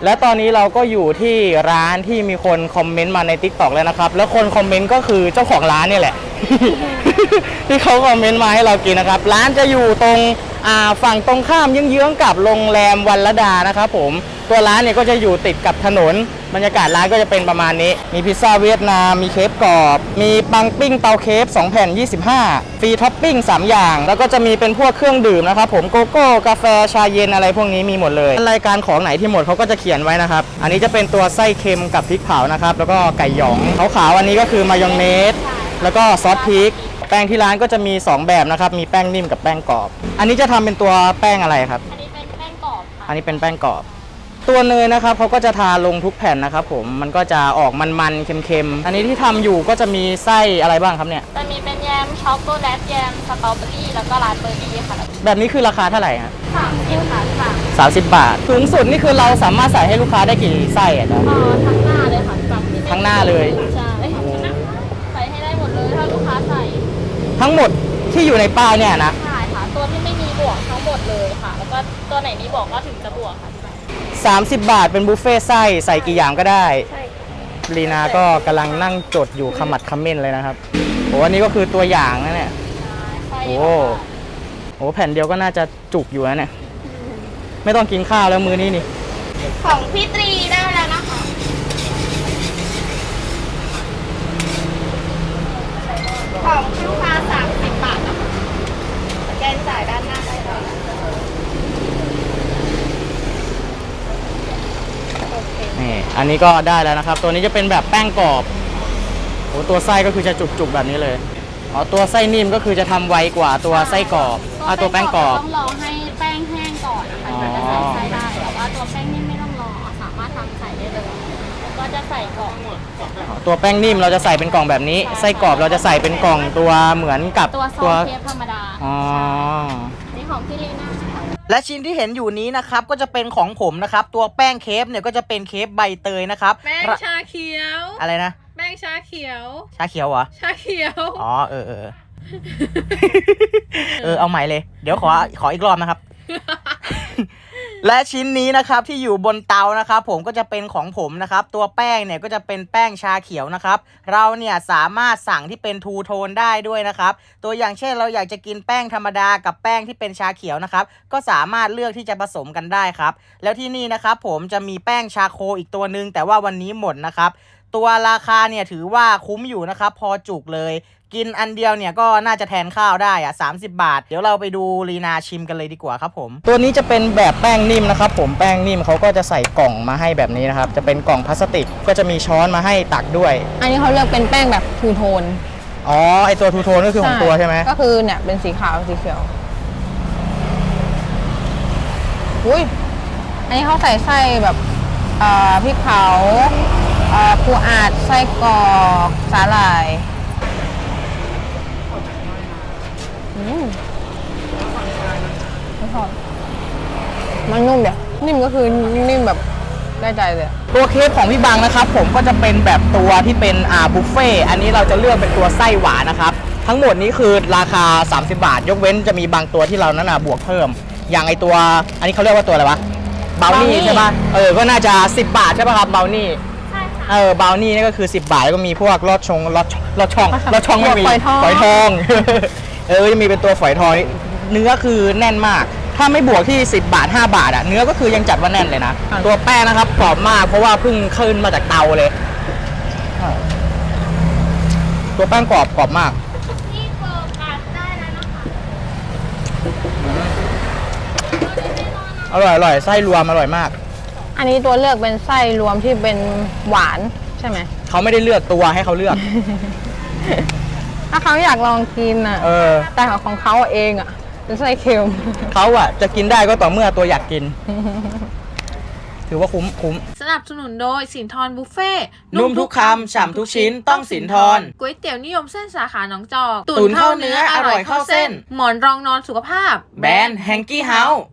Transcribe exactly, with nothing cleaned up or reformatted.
และตอนนี้เราก็อยู่ที่ร้านที่มีคนคอมเมนต์มาใน ติ๊กต็อก แล้วนะครับแล้วคนคอมเมนต์ก็คือเจ้าของร้านนี่แหละ ที่เขาคอมเมนต์มาให้เรากินนะครับร้านจะอยู่ตรงฝั่งตรงข้ามเยื้องๆกับโรงแรมวัลดานะครับผมตัวร้านเนี่ยก็จะอยู่ติดกับถนนบรรยากาศร้านก็จะเป็นประมาณนี้มีพิซซ่าเวียดนามมีเคฟกรอบมีปังปิ้งเตาเคฟสองแผ่นยี่สิบห้าฟรีท็อปปิ้งสามอย่างแล้วก็จะมีเป็นพวกเครื่องดื่มนะครับผมโกโก้กาแฟชาเย็นอะไรพวกนี้มีหมดเลยรายการของไหนที่หมดเขาก็จะเขียนไว้นะครับอันนี้จะเป็นตัวไส้เค็มกับพริกเผานะครับแล้วก็ไก่หยองขาวๆอันนี้ก็คือมายองเนสแล้วก็ซอสพริกแป้งที่ร้านก็จะมีสองแบบนะครับมีแป้งนิ่มกับแป้งกรอบอันนี้จะทำเป็นตัวแป้งอะไรครับอันนี้เป็นแป้งกรอบค่ะอันนี้เป็นแป้งกรอบตัวเนยนะครับเขาก็จะทาลงทุกแผ่นนะครับผมมันก็จะออกมันๆเค็มๆอันนี้ที่ทำอยู่ก็จะมีไส้อะไรบ้างครับเนี่ยจะมีเป็นแยมช็อกโกแลตแยมสตรอเบอรี่แล้วก็ราสเบอร์รี่ค่ะแบบนี้คือราคาเท่าไหร่ฮะสามสิบค่ะค่ะสามสิบบาทสูงสุดนี่คือเราสามารถใส่ให้ลูกค้าได้กี่ไส้อ่ะจ๊ะอ๋อทั้งหน้าเลยค่ะแบบทั้งหน้าเลยใช่ใส่ให้ได้หมดเลยถ้าลูกค้าใส่ทั้งหมดที่อยู่ในป้ายเนี่ยนะใช่ค่ะตัวที่ไม่มีบวกทั้งหมดเลยค่ะแล้วก็ตัวไหนมีบวกก็ถึงจะบวกค่ะสามสิบบาทเป็นบุฟเฟ่ไส้ใส่กี่อย่างก็ได้ใช่ลีนาก็กำลังนั่งจดอยู่ขมัดขม้นเลยนะครับโอ้อันนี้ก็คือตัวอย่างนะเนี่ยโอ้โหแผ่นเดียวก็น่าจะจุกอยู่นะเนี่ยไม่ต้องกินข้าวแล้วมื้อนี้นี่ของพี่ตรีได้แล้วนะคะของลูกค้าสามสิบบาทนะคะสแกนจ่ายด้านหน้าได้เลยนี่อันนี้ก็ได้แล้วนะครับตัวนี้จะเป็นแบบแป้งกรอบโอ้ตัวไส้ก็คือจะจุกๆแบบนี้เลยอ๋อตัวไส้นิ่มก็คือจะทำไวกว่าตัวไส้กรอบอ่ะตัวแป้งกรอบต้องรอให้แป้งแห้งก่อนนะคะถึงจะใส่ไส้ได้แต่ว่าตัวแป้งนิ่มไม่ต้องรอสามารถทำใส่ได้เลยก็จะใส่กล่องตัวแป้งนิ่มเราจะใส่เป็นกล่องแบบนี้ไส้กรอบเราจะใส่เป็นกล่องตัวเหมือนกับตัวซอสเคฟธรรมดาอ๋อนี่ของพี่ลีน่าและชิ้นที่เห็นอยู่นี้นะครับก็จะเป็นของผมนะครับตัวแป้งเคฟเนี่ยก็จะเป็นเคฟใบเตยนะครับแป้งชาเขียวอะไรนะแป้งชาเขียวชาเขียวเหรอชาเขียวอ๋อเออเออเออเอาใหม่เลยเดี๋ยวขอขออีกรอบนะครับ และชิ้นนี้นะครับที่อยู่บนเตานะครับผมก็จะเป็นของผมนะครับตัวแป้งเนี่ยก็จะเป็นแป้งชาเขียวนะครับเราเนี่ยสามารถสั่งที่เป็นทูโทนได้ด้วยนะครับตัวอย่างเช่นเราอยากจะกินแป้งธรรมดากับแป้งที่เป็นชาเขียวนะครับก็สามารถเลือกที่จะผสมกันได้ครับแล้วที่นี่นะครับผมจะมีแป้งชาโคอีกตัวนึงแต่ว่าวันนี้หมดนะครับตัวราคาเนี่ยถือว่าคุ้มอยู่นะครับพอจุกเลยกินอันเดียวเนี่ยก็น่าจะแทนข้าวได้อะสามสิบบาทเดี๋ยวเราไปดูลีนาชิมกันเลยดีกว่าครับผมตัวนี้จะเป็นแบบแป้งนิ่มนะครับผมแป้งนิ่มเขาก็จะใส่กล่องมาให้แบบนี้นะครับจะเป็นกล่องพลาสติกก็จะมีช้อนมาให้ตักด้วยอันนี้เขาเลือกเป็นแป้งแบบทูโทนอ๋อไอตัวทูโทนก็คือของตัวใช่ไหมก็คือเนี่ยเป็นสีขาวสีเขียวอุ้ยอันนี้เขาใส่ไส้แบบพริกเผาปูอัดไส้กรอกสาหร่ายอืมไม่ชอบมันนุ่มเดี๋ยวนิ่มก็คือนิ่มแบบได้ใจเลยตัวเคฟของพี่บังนะครับผมก็จะเป็นแบบตัวที่เป็นอ่าบุฟเฟ่อันนี้เราจะเลือกเป็นตัวไส้หวานนะครับทั้งหมดนี้คือราคาสามสิบบาทยกเว้นจะมีบางตัวที่เรานั้นอ่ะบวกเพิ่มอย่างไอตัวอันนี้เขาเรียกว่าตัวอะไรวะเบลนี่ใช่ป่ะเออก็น่าจะสิบบาทใช่ป่ะครับเบลนี่เออเบลนี่นี่ก็คือสิบบาทแล้วก็มีพวกลอดชงลอดลอดช่องลอดช่องไม่มีฝอยทองเออจะมีเป็นตัวฝอยทองเนื้อคือแน่นมากถ้าไม่บวกที่สิบบาทห้าบาทอ่ะเนื้อก็คือยังจัดว่าแน่นเลยนะตัวแป้งนะครับกรอบมากเพราะว่าเพิ่งขึ้นมาจากเตาเลยตัวแป้งกรอบกรอบมากที่โฟกัสได้แล้วนะคะอร่อยอร่อยไส้รวมอร่อยมากอันนี้ตัวเลือกเป็นไส้รวมที่เป็นหวานใช่ไหมเขาไม่ได้เลือกตัวให้เขาเลือกถ้าเขาอยากลองกินอ่ะเออแต่ของเขาเองอ่ะเป็นไส้เค็มเขาอ่ะจะกินได้ก็ต่อเมื่อตัวอยากกิน ถือว่าคุ้มคุ้มสนับสนุนโดยสินทรบุฟเฟ่นุ่มทุกคำฉ่ำทุกชิ้นต้องสินทรก๋วยเตี๋ยวนิยมเส้นสาขาหนองจอกตุ๋นเข้าเนื้ออร่อยเข้าเส้นหมอนรองนอนสุขภาพแบรนด์แฮงกี้เฮาส์